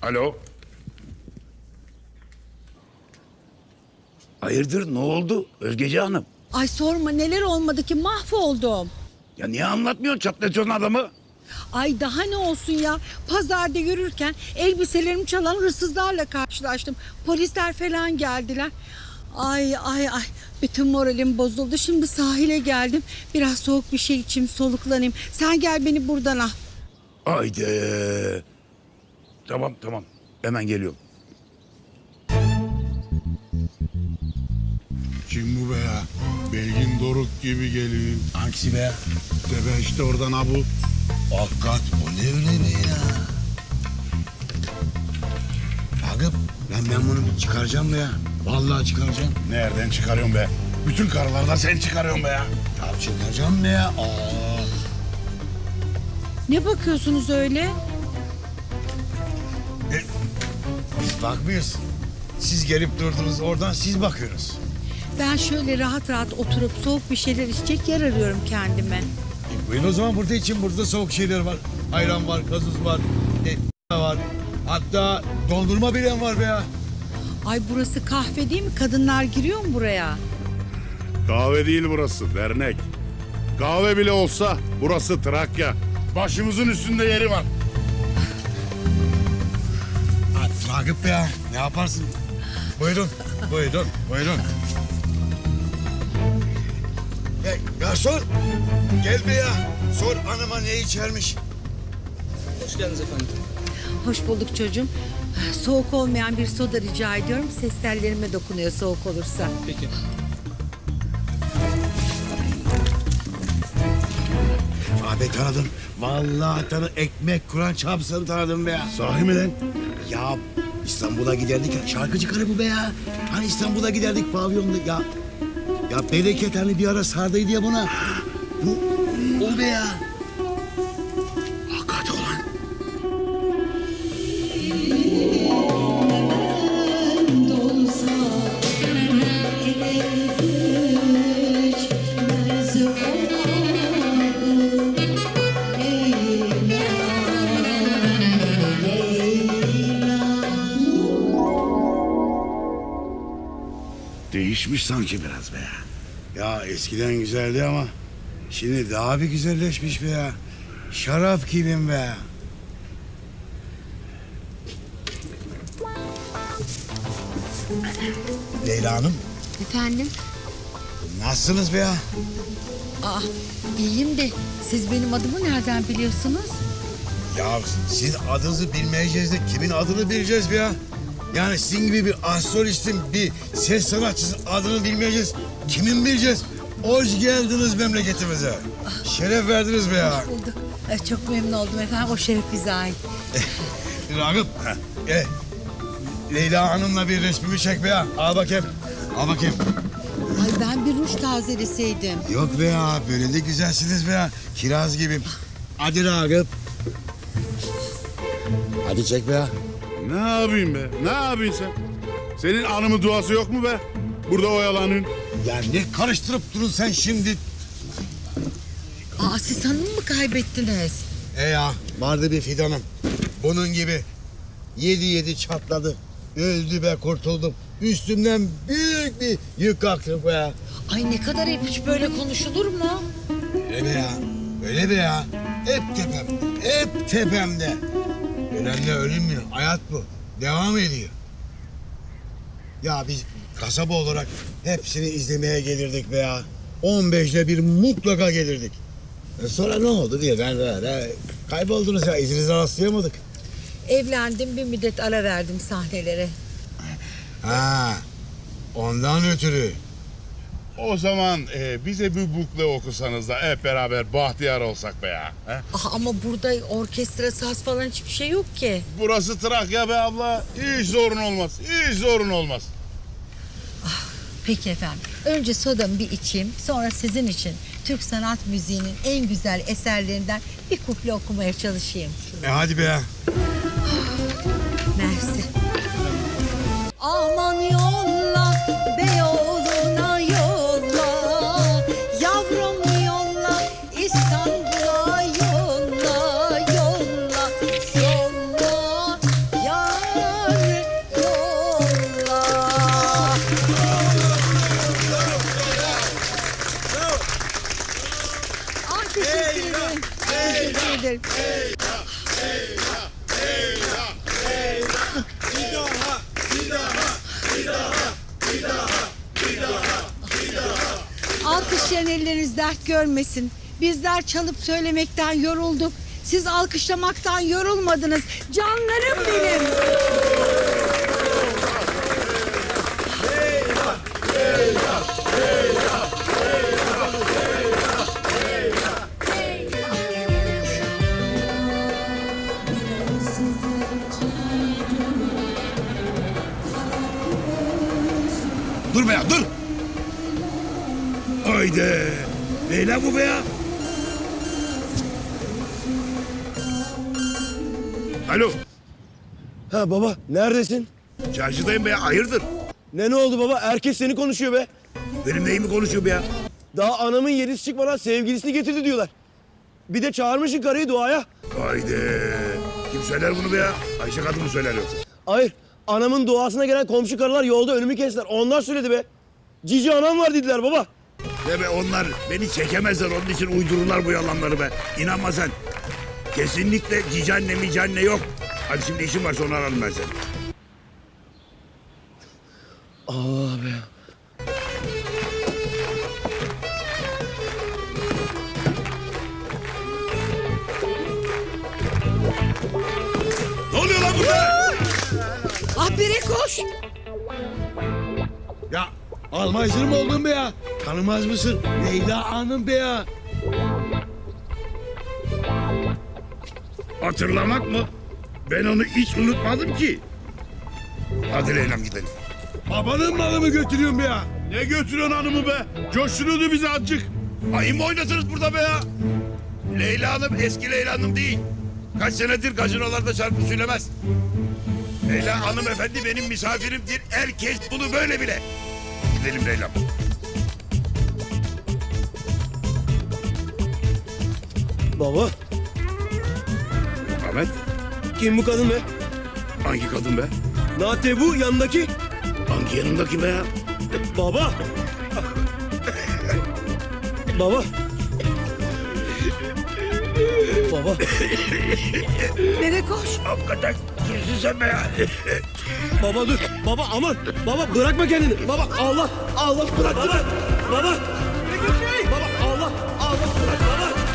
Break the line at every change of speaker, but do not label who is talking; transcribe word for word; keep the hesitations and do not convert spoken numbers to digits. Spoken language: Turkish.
Alo. Hayırdır, ne oldu Özgece Hanım?
Ay sorma, neler olmadı ki, mahvoldum.
Ya niye anlatmıyorsun çatlatıyorsun adamı?
Ay daha ne olsun ya, pazarda yürürken elbiselerimi çalan hırsızlarla karşılaştım. Polisler falan geldiler. Ay ay ay, bütün moralim bozuldu. Şimdi sahile geldim, biraz soğuk bir şey içeyim, soluklanayım. Sen gel beni buradan al.
Haydi. Tamam tamam, hemen geliyorum.
Kim bu be ya? Belgin Doruk gibi geliyor.
Hangisi be?
Tebe işte oradan ha bu.
Hakikat o ne öyle be ya? Ragıp ben, ben bunu bir çıkaracağım be ya. Vallahi çıkaracağım.
Nereden çıkarıyorsun be? Bütün karılardan sen çıkarıyorsun be ya.
Ya çıkaracağım be ya. Aa.
Ne bakıyorsunuz öyle?
E, biz bakmıyoruz. Siz gelip durdunuz oradan siz bakıyorsunuz.
Ben şöyle rahat rahat oturup soğuk bir şeyler içecek yer arıyorum kendime.
E, buyurun o zaman burada için burada soğuk şeyler var. Ayran var, gazoz var, e, var. Hatta dondurma bilen var be ya.
Ay burası kahve değil mi? Kadınlar giriyor mu buraya?
Kahve değil burası, dernek. Kahve bile olsa burası Trakya. Başımızın üstünde yeri var.
Ha, Ragıp be ya ne yaparsın? Buyurun, buyurun, buyurun. Ya, garson gel be ya. Sor anama ne içermiş.
Hoş geldiniz efendim.
Hoş bulduk çocuğum. Soğuk olmayan bir soda rica ediyorum. Ses tellerime dokunuyor soğuk olursa.
Peki.
Abi tanıdım. Vallahi tanı ekmek kuran çapsını tanıdım be ya.
Sahi mi lan?
Ya İstanbul'a giderdik ya. Şarkıcı karı bu be ya. Hani İstanbul'a giderdik pavyonda ya. Ya bereket hani bir ara sardıydı ya buna. Bu o be ya. Hakikat olan.
Değişmiş sanki biraz be ya.
Ya eskiden güzeldi ama şimdi daha bir güzelleşmiş be ya. Şarap gibiyim be ya. Leyla Hanım,
Efendim?
nasılsınız be ya?
Aa, iyiyim de siz benim adımı nereden biliyorsunuz?
Ya siz adınızı bilmeyeceğiz de kimin adını bileceğiz be ya? Yani sizin gibi bir astrolistin, bir ses sanatçısı adını bilmeyeceğiz. Kimin bileceğiz? Hoş geldiniz memleketimize. Şeref verdiniz be ya.
Bulduk. Ay, çok memnun oldum efendim. O şeref bize ait.
Ragıp, e, Leyla Hanım'la bir resmimi çek be ya. Al bakayım, al bakayım.
Ay ben bir ruj tazeleseydim.
Yok be ya, böyle de güzelsiniz be ya. Kiraz gibiyim. Hadi Ragıp. Hadi çek be ya.
Ne yapayım be? Ne yapıyorsun sen? Senin anımın duası yok mu be? Burada oyalanın.
Ya ne karıştırıp durun sen şimdi?
Aa, siz hanım mı kaybettiniz?
E ya, vardı bir fidanım. Bunun gibi. Yedi yedi çatladı. Öldü be kurtuldum. Üstümden büyük bir yük kalktı be ya.
Ay ne kadar hep hiç böyle konuşulur mu?
Öyle be ya. Öyle be ya. Hep tepemde. Hep tepemde. Ölenle ölünmüyor. Hayat bu. Devam ediyor. Ya biz kasaba olarak hepsini izlemeye gelirdik be ya. on beşte bir mutlaka gelirdik. E sonra ne oldu diye ben böyle kayboldunuz ya. İzinize rastlayamadık.
Evlendim, bir müddet ara verdim sahnelere.
Ha, ondan ötürü.
O zaman e, bize bir bukle okusanız da hep beraber bahtiyar olsak be ya. He?
Ah, ama burada orkestra, saz falan hiçbir şey yok ki.
Burası Trakya be abla. Hiç zorun olmaz. Hiç zorun olmaz.
Peki efendim. Önce sodamı bir içeyim. Sonra sizin için Türk sanat müziğinin en güzel eserlerinden bir kuple okumaya çalışayım.
E hadi be ya.
Mersi. Aman yolla Beyoğlu'na yolla, yavrum yolla İstanbul'a yolla, yolla, yolla, yar ederim. Alkışlayan elleriniz dert görmesin. Bizler çalıp söylemekten yorulduk. Siz alkışlamaktan yorulmadınız. Canlarım benim.
Dur be ya dur. Haydi. Leyla bu be ya. Alo.
Ha baba neredesin?
Çarşıdayım be ya. Hayırdır?
Ne ne oldu baba? Herkes seni konuşuyor be.
Benim neyimi konuşuyor be ya?
Daha anamın yedisi çıkmadan sevgilisini getirdi diyorlar. Bir de çağırmışsın karıyı duaya.
Haydi. Kim söyler bunu be ya? Ayşe kadın mı söyler yoksa?
Hayır anamın duasına gelen komşu karılar yolda önümü kestiler. Onlar söyledi be. Cici anam var dediler baba.
Ve be onlar beni çekemezler. Onun için uydururlar bu yalanları be. İnanma sen. Kesinlikle cici anne mici anne yok. Hadi şimdi işim var sonra ararım ben seni.
Allah be.
Ne oluyor lan burada?
Ah bire koş.
Ya Almancır mı oldun be ya? Tanımaz mısın? Leyla Hanım be ya.
Hatırlamak mı? Ben onu hiç unutmadım ki. Hadi Leyla'm gidelim.
Babanın malı mı götürüyorsun be ya? Ne götürüyorsun hanımı be? Coşturuyordu bizi azıcık.
Ayı mı oynatırız burada be ya? Leyla Hanım eski Leyla Hanım değil. Kaç senedir gazinolarda şarkı söylemez. Leyla hanımefendi benim misafirimdir. Herkes bunu böyle bile. Gidelim Leyla'm.
Baba
Ahmet,
kim bu kadın be?
hangi kadın be?
Nate bu yanındaki.
Hangi yanındaki be ya?
Baba. Baba. Baba.
Bire koş.
Hakikaten kimsin sen be ya?
Baba dur. Baba aman. Baba bırakma kendini. Baba Allah. Allah bırak. Baba. Baba. Baba Allah. Allah bırak. Baba.